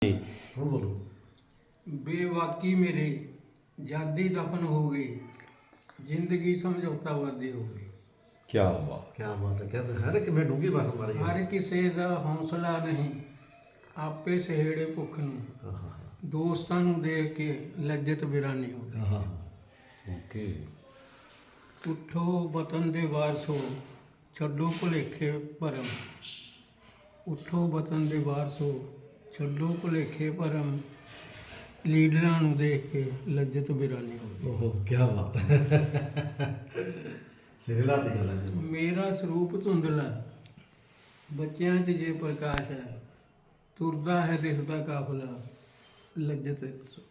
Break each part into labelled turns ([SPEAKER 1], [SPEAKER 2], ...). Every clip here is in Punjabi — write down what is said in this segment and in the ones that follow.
[SPEAKER 1] ਹੁਣ ਬੋਲੋ।
[SPEAKER 2] ਬੇਵਾਕੀ ਮੇਰੇ ਜਾਦੀ ਦਫਨ ਹੋ ਗਈ, ਜ਼ਿੰਦਗੀ ਸਮਝੌਤਾਵਾਦੀ ਹੋ ਗਈ।
[SPEAKER 1] ਕੀ ਬਾਤ ਹੈ। ਕਹਿੰਦੇ ਹਰ ਇੱਕ ਮੈਂ ਡੂੰਗੀ ਬਾਤ ਮਾਰੀ
[SPEAKER 2] ਹਰ ਕਿਸੇ ਦਾ ਹੌਸਲਾ ਨਹੀਂ, ਆਪੇ ਸਹੇੜੇ ਭੁੱਖ ਨੂੰ। ਦੋਸਤਾਂ ਨੂੰ ਦੇਖ ਕੇ ਲੱਜਤ ਬਿਰਾਨੀ ਹੋ ਗਈ।
[SPEAKER 1] ਓਕੇ।
[SPEAKER 2] ਉੱਠੋ ਵਤਨ ਦੇ ਵਾਰਸੋ, ਛੱਡੋ ਭੁਲੇਖੇ ਭਰਮ। ਉੱਠੋ ਵਤਨ ਦੇ ਵਾਰਸੋ, ਛੱਡੋ ਭੁਲੇਖੇ ਭਰਮ। ਲੀਡਰਾਂ ਨੂੰ ਦੇਖ ਕੇ ਲੱਜਤ ਬਿਰਾਨੀ ਹੋ ਗਈ।
[SPEAKER 1] ਓਹੋ ਕੀ ਬਾਤ ਹੈ। ਸਿਰਲਾ ਤੇ ਗੱਲ ਹੈ।
[SPEAKER 2] ਮੇਰਾ ਸਰੂਪ ਧੁੰਦਲਾ, ਬੱਚਿਆਂ 'ਚ ਜੇ ਪ੍ਰਕਾਸ਼ ਹੈ। ਤੁਰਦਾ ਹੈ ਦਿਸਦਾ ਕਾਫਲਾ, ਲੱਜਤ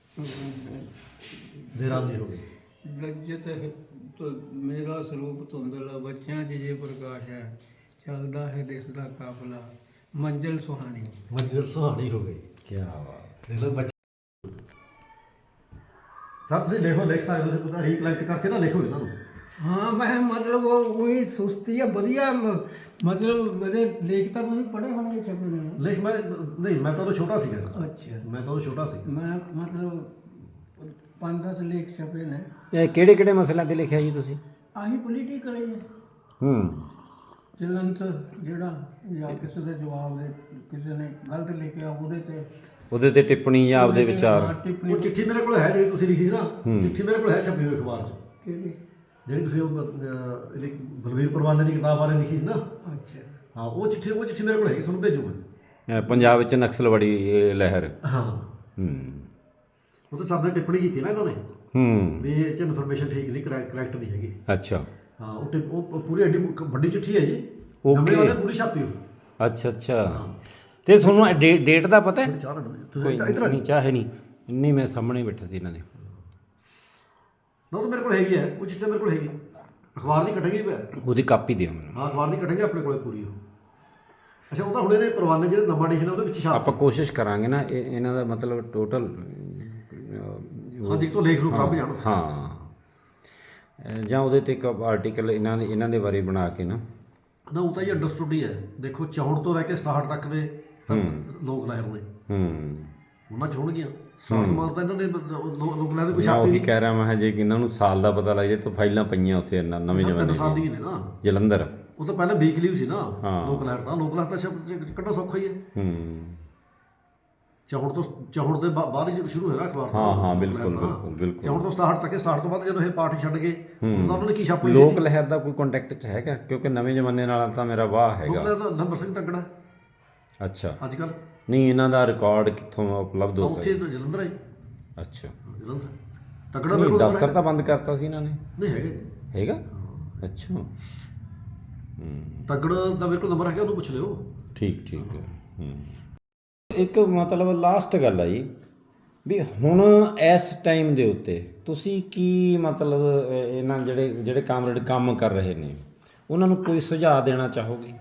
[SPEAKER 1] ਬਿਰਾਨੀ ਹੋ ਗਈ।
[SPEAKER 2] ਲੱਜਤ ਮੇਰਾ ਸਰੂਪ ਧੁੰਦਲਾ, ਬੱਚਿਆਂ 'ਚ ਜੇ ਪ੍ਰਕਾਸ਼ ਹੈ। ਚੱਲਦਾ ਹੈ ਦਿਸਦਾ ਕਾਫਲਾ, ਮੰਜ਼ਿਲ ਸੁਹਾਣੀ।
[SPEAKER 1] ਮੰਜ਼ਿਲ ਸੁਹਾਣੀ ਹੋ ਗਈ। ਕੀ ਬਾਤ। ਦੇਖ ਲਓ ਬੱਚੇ ਸਰ ਤੁਸੀਂ ਲਿਖੋ, ਲਿਖ ਸਕਦੇ ਹੋ, ਤੁਸੀਂ ਰੀਕਲੈਕਟ ਕਰਕੇ ਨਾ ਲਿਖੋ ਇਹਨਾਂ ਨੂੰ।
[SPEAKER 2] ਹਾਂ ਮੈਂ ਮਤਲਬ ਉਹੀ ਸੁਸਤੀ ਆ ਵਧੀਆ ਮਤਲਬ ਮੇਰੇ ਲੇਖ ਤਾਂ ਤੁਸੀਂ ਪੜ੍ਹੇ ਹੋਣਗੇ ਛਪੇ ਨੇ।
[SPEAKER 1] ਲਿਖ ਮੈਂ ਨਹੀਂ, ਮੈਂ ਤਾਂ ਉਦੋਂ ਛੋਟਾ ਸੀਗਾ।
[SPEAKER 2] ਅੱਛਾ।
[SPEAKER 1] ਮੈਂ ਤਾਂ ਉਦੋਂ ਛੋਟਾ ਸੀ।
[SPEAKER 2] ਮੈਂ ਮਤਲਬ 5-10 ਲੇਖ ਛਪੇ ਨੇ।
[SPEAKER 3] ਇਹ ਕਿਹੜੇ ਕਿਹੜੇ ਮਸਲਿਆਂ ਤੇ ਲਿਖਿਆ ਜੀ ਤੁਸੀਂ?
[SPEAKER 2] ਆਹੀ ਪੋਲੀਟੀਕਲ ਹੈ। ਜਲੰਤ ਜਿਹੜਾ ਜਾਂ ਕਿਸੇ ਦਾ ਜਵਾਬ ਦੇ, ਕਿਸੇ ਨੇ ਗਲਤ ਲਿਖਿਆ ਉਹਦੇ ਤੇ
[SPEAKER 3] ਟਿੱਪਣੀ ਜਾਂ ਆਪਦੇ ਵਿਚਾਰ।
[SPEAKER 2] ਟਿੱਪਣੀ।
[SPEAKER 1] ਉਹ ਚਿੱਠੀ ਮੇਰੇ ਕੋਲ ਹੈ ਜਿਹੜੀ ਤੁਸੀਂ ਲਿਖੀ ਸੀ ਨਾ, ਚਿੱਠੀ ਮੇਰੇ ਕੋਲ ਹੈ ਛਪੀ ਹੋਈ ਅਖਬਾਰ 'ਚ।
[SPEAKER 2] ਕਿਹੜੀ?
[SPEAKER 1] ਜਿਹੜੀ ਤੁਸੀਂ ਉਹ ਬਲਵੀਰ ਪਰਵਾਨੇ ਦੀ ਕਿਤਾਬ ਬਾਰੇ ਲਿਖੀ ਸੀ ਨਾ।
[SPEAKER 2] ਅੱਛਾ।
[SPEAKER 1] ਹਾਂ ਉਹ ਚਿੱਠੀ ਮੇਰੇ ਕੋਲ ਹੈਗੀ, ਤੁਹਾਨੂੰ ਭੇਜੂਗਾ।
[SPEAKER 3] ਪੰਜਾਬ ਵਿੱਚ ਨਕਸਲਵਾੜੀ ਲਹਿਰ।
[SPEAKER 1] ਹਾਂ। ਉਹ ਤਾਂ ਸਭ ਨੇ ਟਿੱਪਣੀ ਕੀਤੀ ਨਾ ਇਹਨਾਂ ਨੇ ਵੀ ਇਹ 'ਚ ਇਨਫੋਰਮੇਸ਼ਨ ਠੀਕ ਨਹੀਂ, ਕਰੈਕਟ ਨਹੀਂ ਹੈਗੀ।
[SPEAKER 3] ਅੱਛਾ।
[SPEAKER 1] ਹਾਂ ਉਹ ਪੂਰੀ ਐਡੀ ਵੱਡੀ ਚਿੱਠੀ ਹੈ ਜੀ।
[SPEAKER 3] ਓਕੇ।
[SPEAKER 1] ਨਵੇਂ ਵਾਲੇ ਪੂਰੀ ਛਾਪੀ ਹੋ।
[SPEAKER 3] ਅੱਛਾ। ਤੇ ਤੁਹਾਨੂੰ ਡੇਟ ਦਾ ਪਤਾ ਹੈ?
[SPEAKER 1] ਤੁਸੀਂ ਇੱਧਰ
[SPEAKER 3] ਨਹੀਂ ਚਾਹੇ ਨਹੀਂ ਮੈਂ ਸਾਹਮਣੇ ਬੈਠਾ ਸੀ ਇਹਨਾਂ ਦੇ।
[SPEAKER 1] ਨਾ ਉਹ ਤਾਂ ਮੇਰੇ ਕੋਲ ਹੈਗੀ ਹੈ, ਉਹ ਚਿੱਠੀ ਮੇਰੇ ਕੋਲ ਹੈਗੀ। ਅਖਬਾਰ ਦੀ ਕੱਟਾਂਗੇ
[SPEAKER 3] ਉਹਦੀ ਕਾਪੀ ਦਿਓ ਮੈਨੂੰ।
[SPEAKER 1] ਹਾਂ ਅਖਬਾਰ ਦੀ ਕੱਟਾਂਗੇ ਆਪਣੇ ਕੋਲੇ ਪੂਰੀ ਉਹ। ਅੱਛਾ ਉਹ ਤਾਂ ਹੁਣ ਇਹਨੇ ਪਰਵਾਨੇ ਜਿਹੜੇ ਨਵਾਂ ਐਡੀਸ਼ਨ ਉਹਦੇ ਵਿੱਚ ਛਾਪ।
[SPEAKER 3] ਆਪਾਂ ਕੋਸ਼ਿਸ਼ ਕਰਾਂਗੇ ਨਾ ਇਹਨਾਂ ਦਾ ਮਤਲਬ ਟੋਟਲ
[SPEAKER 1] ਹਾਂ ਜਿੱਕ ਤੋਂ ਲੇਖ ਨੂੰ ਖਰਾਬ ਜਾਣ।
[SPEAKER 3] ਹਾਂ ਜਾਂ ਉਹਦੇ ਤੇ ਇੱਕ ਆਰਟੀਕਲ ਇਹਨਾਂ ਦੇ ਬਾਰੇ ਬਣਾ ਕੇ ਨਾ
[SPEAKER 1] ਉਹ ਤਾਂ ਇਹ ਅੰਡਰਸਟੂਡ ਹੀ ਹੈ। ਦੇਖੋ 64 ਤੋਂ ਲੈ ਕੇ 67 ਤੱਕ ਦੇ ਲੋਕ ਲਹਿਰ ਨੇ। ਉਹਨਾਂ 'ਚ ਹੋਣਗੀਆਂ 60 ਮਾਰ ਤਾਂ ਇਹਨਾਂ ਨੇ ਲੋਕ ਲਹਿਰ ਦੀ ਕੋਈ ਛਾਪੀ
[SPEAKER 3] ਨਹੀਂ।
[SPEAKER 1] ਨਹੀਂ।
[SPEAKER 3] ਕਹਿ ਰਿਹਾ ਮੈਂ ਜੇ ਇਹਨਾਂ ਨੂੰ ਸਾਲ ਦਾ ਪਤਾ ਲੱਗ ਜਾਏ ਤਾਂ ਫਾਈਲਾਂ ਪਈਆਂ ਉੱਥੇ ਨਵੇਂ ਜਮਾਨੇ
[SPEAKER 1] 3 ਸਾਲ ਦੀਆਂ ਨੇ ਨਾ।
[SPEAKER 3] ਜਲੰਧਰ
[SPEAKER 1] ਉਹ ਤਾਂ ਪਹਿਲਾਂ ਵੀਕਲੀ ਸੀ ਨਾ ਲੋਕ ਲਹਿਰ ਤਾਂ ਕੱਢੋ ਸੌਖਾ ਹੀ ਹੈ। 64 ਦੇ ਬਾਅਦ ਹੀ ਸ਼ੁਰੂ ਹੋਇਆ ਅਖਬਾਰ।
[SPEAKER 3] ਹਾਂ ਬਿਲਕੁਲ
[SPEAKER 1] 64 ਤੋਂ 67 ਤੱਕ 67 ਤੋਂ ਬਾਅਦ ਜਦੋਂ ਇਹ ਪਾਰਟੀ ਛੱਡ ਗਏ ਉਹਨਾਂ ਨੇ ਕੀ ਛਾਪੀ?
[SPEAKER 3] ਲੋਕ ਲਹਿਰ ਦਾ ਕੋਈ ਕੰਟੈਕਟ 'ਚ ਹੈਗਾ? ਕਿਉਂਕਿ ਨਵੇਂ ਜ਼ਮਾਨੇ ਨਾਲ ਤਾਂ ਮੇਰਾ ਵਾਹ ਹੈਗਾ।
[SPEAKER 1] ਨੰਬਰ ਸਿੰਘ ਤੱਕੜਾ।
[SPEAKER 3] ਅੱਛਾ।
[SPEAKER 1] ਅੱਜ ਕੱਲ
[SPEAKER 3] ਨਹੀਂ ਇਹਨਾਂ ਦਾ ਰਿਕਾਰਡ ਕਿੱਥੋਂ ਉਪਲਬਧ ਹੋ
[SPEAKER 1] ਉੱਥੇ ਜਲੰਧਰ ਹੈ।
[SPEAKER 3] ਅੱਛਾ।
[SPEAKER 1] ਜਲੰਧਰ ਤੱਕੜਾ
[SPEAKER 3] ਨਹੀਂ ਦਫ਼ਤਰ ਤਾਂ ਬੰਦ ਕਰਤਾ ਸੀ ਇਹਨਾਂ ਨੇ।
[SPEAKER 1] ਨਹੀਂ
[SPEAKER 3] ਹੈਗਾ। ਅੱਛਾ।
[SPEAKER 1] ਤੱਕੜ ਦਾ ਮੇਰੇ ਕੋਲ ਨੰਬਰ ਹੈਗਾ, ਉਹਨੂੰ ਪੁੱਛ ਲਿਓ।
[SPEAKER 3] ਠੀਕ ਹੈ। ਇੱਕ ਮਤਲਬ ਲਾਸਟ ਗੱਲ ਆ ਜੀ ਵੀ ਹੁਣ ਇਸ ਟਾਈਮ ਦੇ ਉੱਤੇ ਤੁਸੀਂ ਕੀ ਮਤਲਬ ਇਹਨਾਂ ਜਿਹੜੇ ਕਾਮਰੇਡ ਕੰਮ ਕਰ ਰਹੇ ਨੇ ਉਹਨਾਂ ਨੂੰ ਕੋਈ ਸੁਝਾਅ ਦੇਣਾ ਚਾਹੋਗੇ?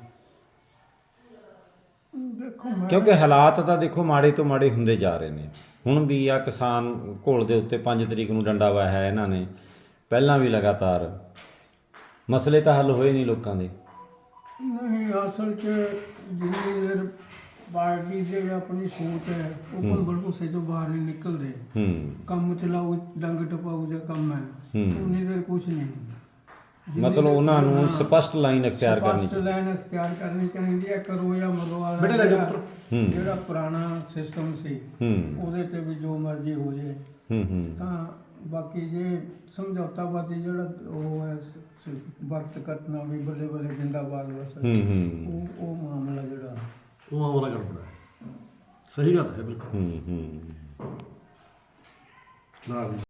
[SPEAKER 3] ਕਿਉਂਕਿ ਹਾਲਾਤ ਤਾਂ ਦੇਖੋ ਮਾੜੇ ਤੋਂ ਮਾੜੇ ਹੁੰਦੇ ਜਾ ਰਹੇ ਨੇ। ਹੁਣ ਵੀ ਆ ਕਿਸਾਨ ਘੋਲ ਦੇ ਉੱਤੇ 5 ਤਰੀਕ ਨੂੰ ਡੰਡਾ ਵਾਇਆ ਹੈ ਇਹਨਾਂ ਨੇ, ਪਹਿਲਾਂ ਵੀ ਲਗਾਤਾਰ ਮਸਲੇ ਤਾਂ ਹੱਲ ਹੋਏ ਨਹੀਂ ਲੋਕਾਂ ਦੇ।
[SPEAKER 2] ਨਹੀਂ ਅਸਲ 'ਚ ਜਿੰਨੀ ਦੇਰ ਪਾਰਟੀ ਦੇ ਆਪਣੀ ਸੋਚ ਹੈ ਉਹ ਭੁਲਭੁਸੇ ਤੋਂ ਬਾਹਰ ਨਹੀਂ ਨਿਕਲਦੇ। ਕੰਮ ਚਲਾਓ ਡੰਗ ਟਪਾਓ ਦਾ ਕੰਮ ਹੈ, ਉਨੀ ਦੇਰ ਕੁਛ ਨਹੀਂ ਹੁੰਦਾ।
[SPEAKER 3] ਮਤਲਬ ਉਹਨਾਂ ਨੂੰ ਸਪਸ਼ਟ ਲਾਈਨ ਅਖਤਿਆਰ ਕਰਨੀ
[SPEAKER 2] ਚਾਹੀਦੀ ਹੈ। ਕਰੋ ਜਾਂ ਮਰੋ ਵਾਲਾ ਜਿਹੜਾ ਪੁਰਾਣਾ ਸਿਸਟਮ ਸੀ ਉਹਦੇ ਤੇ ਵੀ ਜੋ ਮਰਜ਼ੀ ਹੋ ਜਾਏ। ਤਾਂ ਬਾਕੀ ਜੇ ਸਮਝੌਤਾਵਾਦੀ ਜਿਹੜਾ ਉਹ ਹੈ ਵਕਤ ਕਤਨਾ ਵੀ ਬੱਲੇ ਬੱਲੇ ਜਿੰਦਾਬਾਦ ਬਸ ਉਹ ਮਾਮਲਾ ਜਿਹੜਾ
[SPEAKER 1] ਉਹ ਮਾਮਲਾ ਗੜਬੜਾ ਹੈ। ਸਹੀ ਗੱਲ ਹੈ ਬਿਲਕੁਲ। ਨਾ